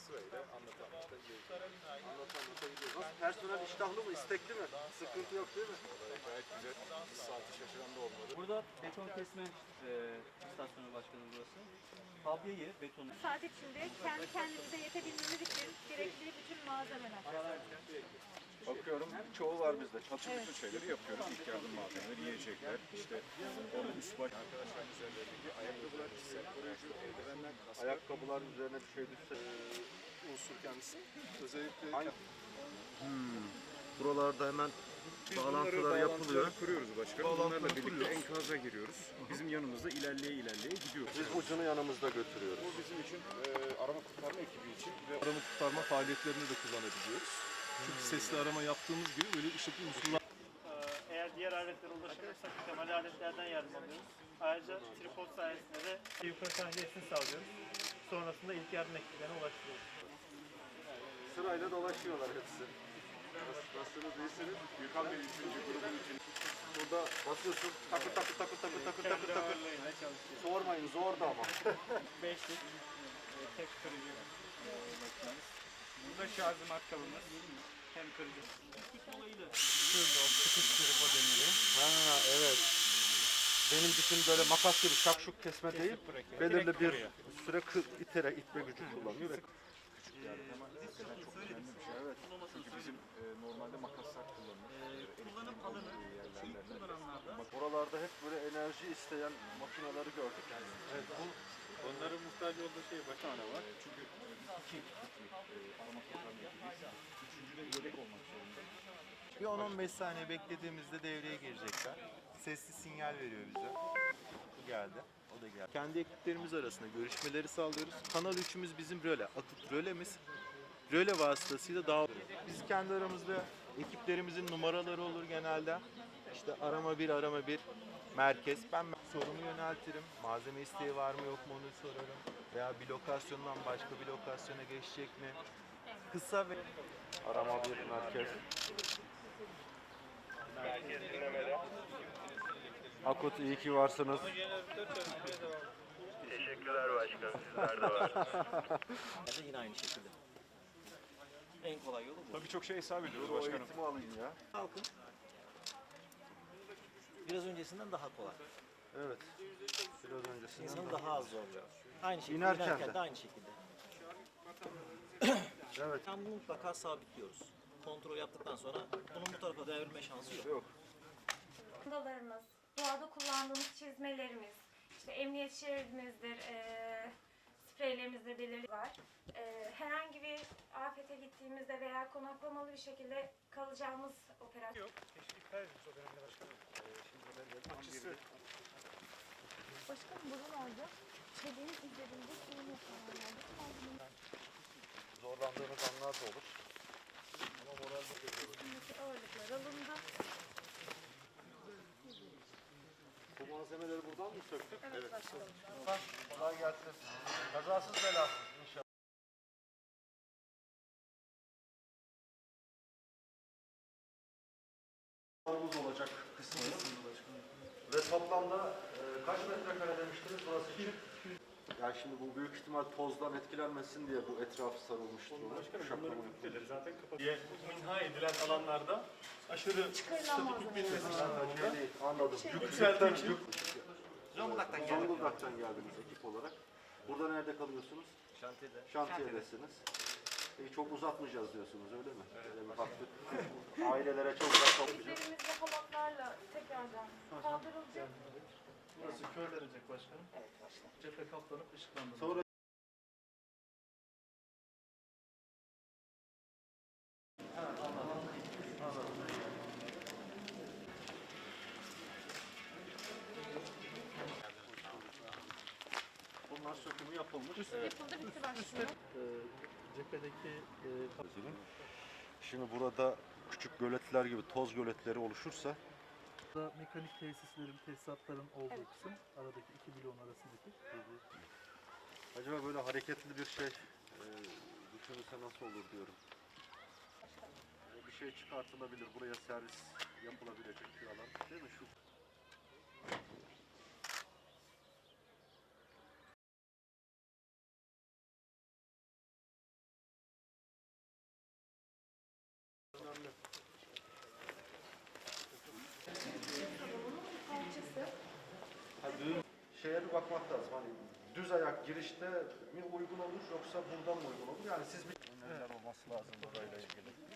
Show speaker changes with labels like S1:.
S1: sırayla anlata gidiyoruz.
S2: Anlata gidiyoruz. Nasıl? Personel iştahlı mı? İstekli mi? Sıkıntı yok değil mi?
S1: Gayet güzel. Saati şaşıran da olmadı.
S3: Burada beton kesme istasyonu başkanı burası. Tabiyeyi, betonu.
S4: Saat içinde kendi kendimize yetebilmemiz için gerekli bütün malzemeler.
S1: Bakıyorum çoğu var bizde. Bütün şeyleri yapıyoruz. İlk yardım malzemeleri, yiyecekler, işte onun üst baş. Arkadaşların üzerlerindeki ayakkabılar, kişisel koruyucu, eldivenler, kasklar.
S2: Ayakkabılar üzerine bir şey düşse.
S1: Unsur kendisi. Özellikle
S2: Buralarda hemen
S1: biz
S2: bağlantılar yapılıyor.
S1: kuruyoruz başkanım. Bunlarla birlikte enkaza giriyoruz. Bizim yanımızda ilerleye gidiyoruz.
S2: Biz ucunu yanımızda götürüyoruz.
S1: Bu bizim için arama kurtarma ekibi için ve arama kurtarma faaliyetlerinde de kullanabiliyoruz. Çünkü sesli arama yaptığımız gibi böyle ışıklı unsurlar.
S5: Eğer diğer aletlere ulaşamıyorsak temel aletlerden yardım alıyoruz. Ayrıca tripod sayesinde de yukarı tahliyesini sağlıyoruz. Sonrasında ilk yardım ekiplerine ulaştırıyoruz.
S2: Sırayla dolaşıyorlar hepsi. Nasılsınız, iyisiniz?
S1: Gürkan Bey 3. grubun için.
S2: Burada basıyorsun, takır takır takır takır takır takır takır.
S5: Ağırlığıyla çalışıyoruz.
S2: Sormayın, zor da ama.
S5: Beşlik, tek kırıcı Burada şarjımat kabımız, hem kırıcı. Şurada o sıkıştırıp o demiri.
S2: Ha evet. Benim bütün böyle makas gibi şakşuk kesme değil,
S5: bırakıyor.
S2: belirli
S5: Direkt
S2: bir
S5: vuruyor.
S2: süre itme gücü kullanıyor ve
S1: Çok önemli bir şey. Evet. Çünkü bizim normalde makaslar kullanılır.
S3: Kullanım alanı ilk kullananlarda
S2: oralarda hep böyle enerji isteyen makineleri gördük.
S1: Evet, onların muhtaç olduğu şey bir tane var. Çünkü iki arama kurtarma ekibiyiz. Üçüncü de yedek olmak zorunda.
S6: Bir 10-15 saniye beklediğimizde devreye girecekler. Sesli sinyal veriyor bize. Bu geldi. O da geldi. Kendi ekiplerimiz arasında görüşmeleri sağlıyoruz. Kanal 3'ümüz bizim röle. Akut rölemiz. Röle vasıtasıyla dağılıyoruz. Biz kendi aramızda ekiplerimizin numaraları olur genelde. İşte arama 1, arama 1 merkez. Ben sorumu yöneltirim. Malzeme isteği var mı yok mu onu sorarım. Veya bir lokasyondan başka bir lokasyona geçecek mi? Kısa ve
S2: Arama bir merkez. Akut iyi ki varsınız.
S7: Teşekkürler başkanım. Sizler de var.
S3: yine aynı şekilde. En kolay yolu bu.
S1: Tabii çok şey hesap ediyoruz
S2: O
S1: başkanım.
S2: eğitimi alayım ya.
S3: Halkın biraz öncesinden daha kolay.
S2: Evet. Biraz öncesinden.
S3: İnsanın daha az zorluyor. Aynı şekilde
S2: İnerken
S3: inerken
S2: de.
S3: de aynı şekilde.
S2: Evet.
S3: Yani bunu mutlaka sabitliyoruz. Kontrol yaptıktan sonra bunun bu tarafa devrilme şansı yok.
S2: Yok.
S4: Çantalarımız, doğada kullandığımız çizmelerimiz, işte emniyet şeridimizdir, spreylerimizde belirli var. Herhangi bir afete gittiğimizde veya konaklamalı bir şekilde kalacağımız operasyon.
S5: Yok, iptal edilmiş o dönemde başkanım.
S4: Başkanım buralarda çeliğin üzerinde suyun yapılanlarda
S2: Zorlandığınız anlar da olur. Ama moralde
S4: üstündeki ağırlıklar alındı.
S2: bu malzemeleri buradan mı söktük?
S4: Evet başkanım.
S2: Kolay gelsin. Kazasız belasız inşallah. Havuz olacak kısmı. Ve toplamda kaç metrekare demiştiniz burası için? Yani şimdi bu büyük ihtimal tozdan etkilenmesin diye bu etrafı sarılmıştır.
S5: Zaten kapatıya imha edilen alanlarda aşırı statik bilmesinden dolayı
S2: Anladım.
S5: yükseltiği için
S2: Zonguldak'tan geldiniz ekip olarak. Burada nerede kalıyorsunuz?
S3: Şantiyede.
S2: Şantiyedesiniz. Çok uzatmayacağız diyorsunuz öyle mi? Öyle bir baktık. Ailelere çok uzak toplayacağız.
S4: Üzerimizde halatlarla tekrardan kaldırılacak.
S5: burası körlenecek başkanım. Cephe kaplanıp ışıklandırılacak.
S2: Sonra bunlar sökümü yapılmış.
S4: Yapıldı bitti başkanım.
S5: Cephedeki
S2: Şimdi burada küçük göletler gibi toz göletleri oluşursa
S5: mekanik tesislerin, tesisatların olduğu kısım aradaki iki bloğun arasındaki.
S2: acaba böyle hareketli bir şey düşünülse nasıl olur diyorum. Bir şey çıkartılabilir, buraya servis yapılabilecek bir alan değil mi? Şu şeye bir bakmak lazım. Hani düz ayak girişte mi uygun olur yoksa buradan mı uygun olur? Yani siz bir önlemler olması lazım burayla ilgili.